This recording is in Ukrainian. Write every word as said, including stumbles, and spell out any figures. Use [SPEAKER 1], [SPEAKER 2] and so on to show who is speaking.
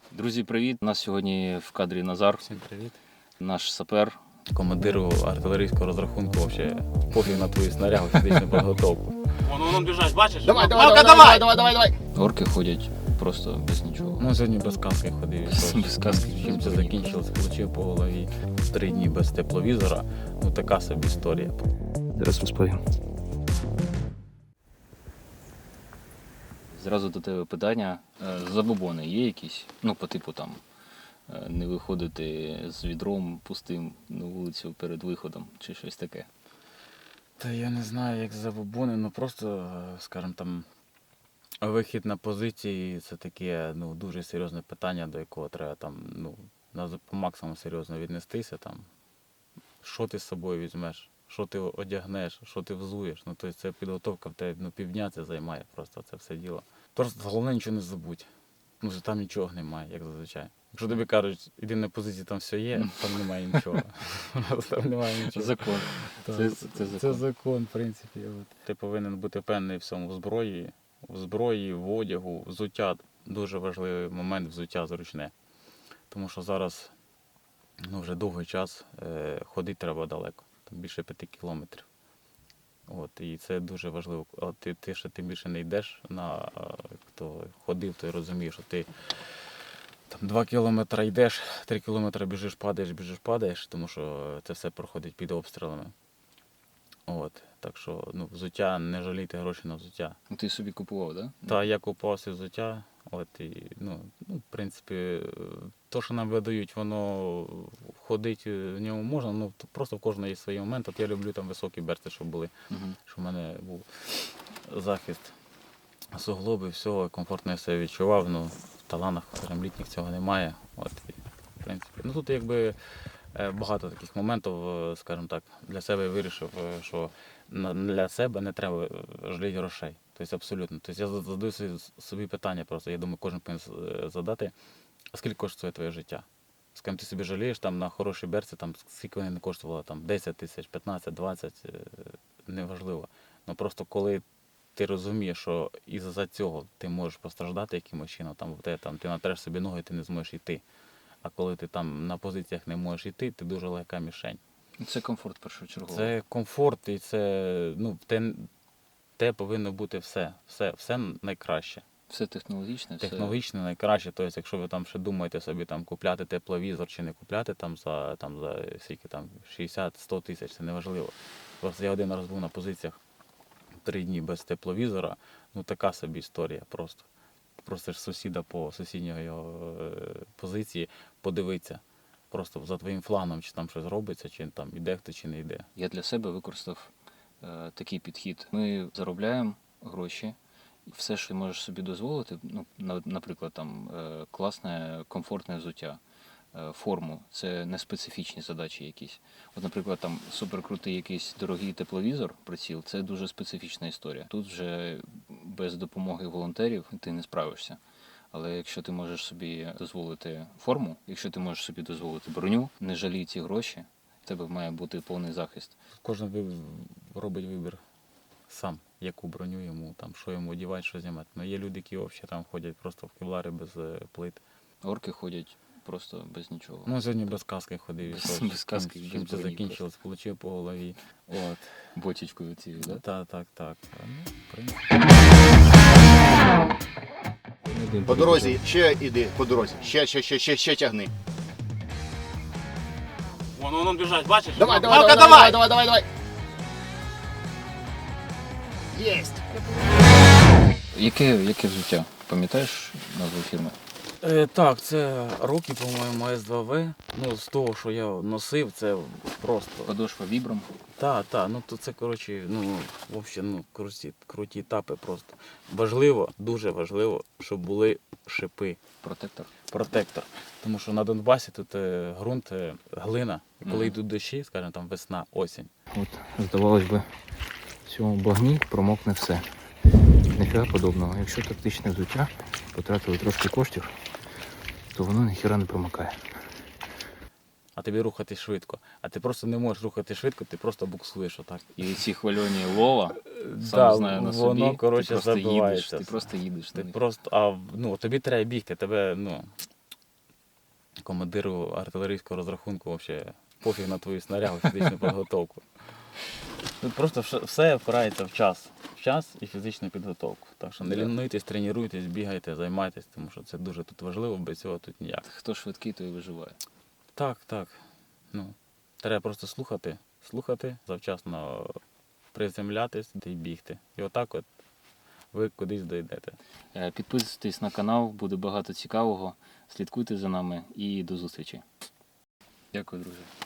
[SPEAKER 1] Друзі, привіт! У нас сьогодні в кадрі Назар.
[SPEAKER 2] Всім привіт.
[SPEAKER 1] Наш сапер.
[SPEAKER 2] Командиру артилерійського розрахунку вообще пофіг на твою снарягу, фізичну підготовку.
[SPEAKER 3] Вон, вон, он бежать, бачиш?
[SPEAKER 4] Давай, давай,
[SPEAKER 3] Малка,
[SPEAKER 4] давай, давай, давай, давай, давай.
[SPEAKER 1] Орки ходять просто без нічого.
[SPEAKER 2] Ну сьогодні без каски ходив.
[SPEAKER 1] Без- без каски.
[SPEAKER 2] Чим це закінчилось, получив по голові. Три дні без тепловізора. Ну така собі історія.
[SPEAKER 1] Зараз розповім. Зразу до тебе питання. Е, Забобони є якісь? Ну, по типу там е, не виходити з відром пустим на вулицю перед виходом чи щось таке.
[SPEAKER 2] Та я не знаю, як забобони, ну просто, скажімо там, вихід на позиції це таке ну, дуже серйозне питання, до якого треба там, ну, на- по максимуму серйозно віднестися. Там. Що ти з собою візьмеш, що ти одягнеш, що ти взуєш. Ну, тобто це підготовка в тебе ну, півдня це займає просто це все діло. Просто головне нічого не забудь. Ну, що там нічого немає, як зазвичай. Якщо тобі кажуть, іди на позиції, там все є, там немає нічого. Там немає нічого.
[SPEAKER 1] Закон.
[SPEAKER 2] Так,
[SPEAKER 1] Це, це, це закон.
[SPEAKER 2] Це закон, в принципі. Ти повинен бути впевнений в цьому в зброї, в зброї, в одягу, взуття. Дуже важливий момент взуття зручне. Тому що зараз ну, вже довгий час е, ходити треба далеко, там більше п'яти кілометрів. От, і це дуже важливо. А ти, ти ще тим більше не йдеш на хто ходив, той розуміє, що ти там два кілометри йдеш, три кілометри біжиш, падаєш, біжиш, падаєш, тому що це все проходить під обстрілами. От, так що ну, взуття, не жалійте гроші на взуття.
[SPEAKER 1] Ну, ти собі купував, так? Да?
[SPEAKER 2] Та я купувався взуття, от, і, ну, ну, в принципі, то, що нам видають, воно ходить в ньому можна, ну, то просто в кожного є свій момент. От я люблю там високі берці, щоб були,
[SPEAKER 1] Угу.
[SPEAKER 2] щоб в мене був захист суглоби, всього, комфортно я себе відчував, ну, в таланах, скажімо, літніх цього немає. От, і, в принципі, ну, тут якби е, багато таких моментів, е, скажімо так, для себе я вирішив, е, що на- для себе не треба жаліти грошей. Тобто абсолютно. Тобто я задаю собі- собі питання просто, я думаю, кожен повинен е, задати, а скільки коштує твоє життя? З ким ти собі жалієш там на хорошій берці, там скільки вони не коштували, там десять тисяч, п'ятнадцять, двадцять, е, неважливо. Ну просто коли ти розумієш, що із-за цього ти можеш постраждати якимось чином, там, в тебе, там, ти натреш собі ноги, ти не зможеш йти. А коли ти там на позиціях не можеш йти, ти дуже легка мішень.
[SPEAKER 1] Це комфорт першочергово.
[SPEAKER 2] Це комфорт і це, ну, те, те повинно бути все. Все, все найкраще.
[SPEAKER 1] Все технологічне, все.
[SPEAKER 2] Технологічно найкраще. Тобто, якщо ви там ще думаєте собі там купляти тепловізор чи не купляти там за там за скільки там шістдесят-сто тисяч, це неважливо. Просто я один раз був на позиціях три дні без тепловізора, ну така собі історія просто. Просто ж сусіда по сусідньої його е, позиції подивитися. Просто за твоїм фланом, чи там щось робиться, чи там іде хто, чи не йде.
[SPEAKER 1] Я для себе використав е, такий підхід. Ми заробляємо гроші, і все, що можеш собі дозволити, ну, на- наприклад, там е, класне, комфортне взуття, е, форму, це не специфічні задачі якісь. От, наприклад, там суперкрутий якийсь дорогий тепловізор, приціл, це дуже специфічна історія. Тут вже без допомоги волонтерів ти не справишся. Але якщо ти можеш собі дозволити форму, якщо ти можеш собі дозволити броню, не жалій ці гроші, в тебе має бути повний захист.
[SPEAKER 2] Кожен ви- робить вибір сам, яку броню йому, там, що йому одягати, що знімати. Ну, є люди, які взагалі там ходять просто в кевлари без е, плит.
[SPEAKER 1] Орки ходять просто без нічого.
[SPEAKER 2] Ну, сьогодні без каски ходив.
[SPEAKER 1] Без-
[SPEAKER 2] і що,
[SPEAKER 1] без каски,
[SPEAKER 2] чим,
[SPEAKER 1] без
[SPEAKER 2] чим це
[SPEAKER 1] броні
[SPEAKER 2] закінчилось, получив по голові. От.
[SPEAKER 1] Ботічкою цією, да?
[SPEAKER 2] Так, так, так. Ну, в принципі.
[SPEAKER 4] По дорозі, ще іди, по дорозі. Ще, ще, ще, ще, ще тягни.
[SPEAKER 3] Вон, вон, он бежать, бачиш?
[SPEAKER 4] Давай, давай,
[SPEAKER 3] Малка,
[SPEAKER 4] давай, давай, давай, давай. Єсть.
[SPEAKER 1] Яке, яке взуття? Пам'ятаєш назву фірми?
[SPEAKER 2] Е, так, це роки, по-моєму, С два В. Ну, з того, що я носив, це просто.
[SPEAKER 1] Подошва вібром.
[SPEAKER 2] Так, так, ну то це, коротше, ну, взагалі, ну, круті, круті етапи просто. Важливо, дуже важливо, щоб були шипи,
[SPEAKER 1] Протектор.
[SPEAKER 2] протектор. Тому що на Донбасі тут е, ґрунт, е, глина. І коли
[SPEAKER 1] Мгм.
[SPEAKER 2] йдуть дощі, скажімо, там весна, осінь.
[SPEAKER 5] От, здавалось би, в цьому багні промокне все. Ніфіга подобного. Якщо тактичне взуття, потратили трошки коштів, то воно ніхіра не промокає.
[SPEAKER 2] А тобі рухати швидко. А ти просто не можеш рухати швидко, ти просто буксуєш отак.
[SPEAKER 1] І ці хвильоні лова, сам
[SPEAKER 2] Да,
[SPEAKER 1] знаю на
[SPEAKER 2] воно,
[SPEAKER 1] собі,
[SPEAKER 2] коротше,
[SPEAKER 1] ти просто їдеш,
[SPEAKER 2] забивається
[SPEAKER 1] ти
[SPEAKER 2] все.
[SPEAKER 1] просто їдеш.
[SPEAKER 2] Ти
[SPEAKER 1] на них.
[SPEAKER 2] просто, а ну, тобі треба бігти, тебе, ну, командиру артилерійського розрахунку взагалі пофіг на твою снарягу, фізичну підготовку. Тут просто вш- все впирається в час. В час і фізичну підготовку. Так що не
[SPEAKER 1] Да.
[SPEAKER 2] лінуйтесь, тренуйтесь, бігайте, займайтесь, тому що це дуже тут важливо, без цього тут ніяк.
[SPEAKER 1] Хто швидкий, той і виживає.
[SPEAKER 2] Так, так. Ну, треба просто слухати, слухати, завчасно приземлятись і бігти. І отак от ви кудись дійдете.
[SPEAKER 1] Е, Підписуйтесь на канал, буде багато цікавого. Слідкуйте за нами і до зустрічі. Дякую, друзі.